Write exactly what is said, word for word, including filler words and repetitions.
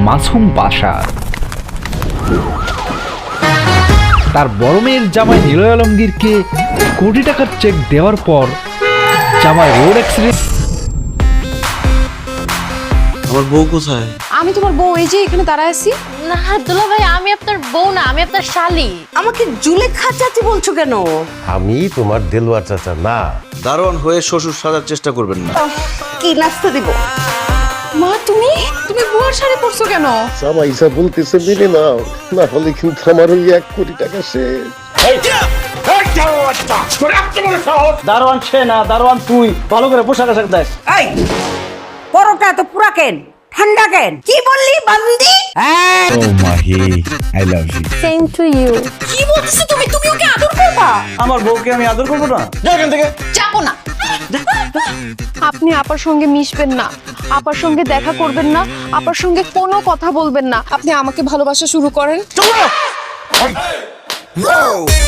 মাসুম বাশার। তার বড় মেয়ের জামাই নিলয় আলমগীরকে কোটি টাকার চেক দেওয়ার পর জামাই রোড অ্যাক্সিডেন্ট। আমার বউ কোথায়? আমি তোমার বউ, এই যে এখানে দাঁড়ায় আছি। না দুলা ভাই, আমি আপনার বউ না, আমি আপনার শালি। আমাকে জুলেখা চাচি বলছো কেন? আমি তোমার দেলোয়ার চাচা না। দারোয়ান হয়ে শ্বশুর সাজার চেষ্টা করবেন না। কি নাস্তা দিব? মা তুমি তুমি বুয়ার শাড়ি পরছো কেন? জামাইসা বলতেছে মেনে নাও, না হলে কিন্তু আমার ওই এক কোটি টাকা শেষ। দারোয়ান সে না, দারোয়ান তুই। ভালো করে পোশাক আশাক দেখ। এই পরোটা তো পুরা কেন, ঠান্ডা কেন? কি বললি বান্দি? ও Mahi, I love you. Same to you. কি বলছো তুমি? তুমি ওকে আদর করবা? আমার বউকে আমি আদর করবো না? যা এখান থেকে। যাবো না। আপনি আপার সঙ্গে মিশবেন না, আপার সঙ্গে দেখা করবেন না, আপার সঙ্গে কোনো কথা বলবেন না। আপনি আমাকে ভালোবাসা শুরু করেন। চলো।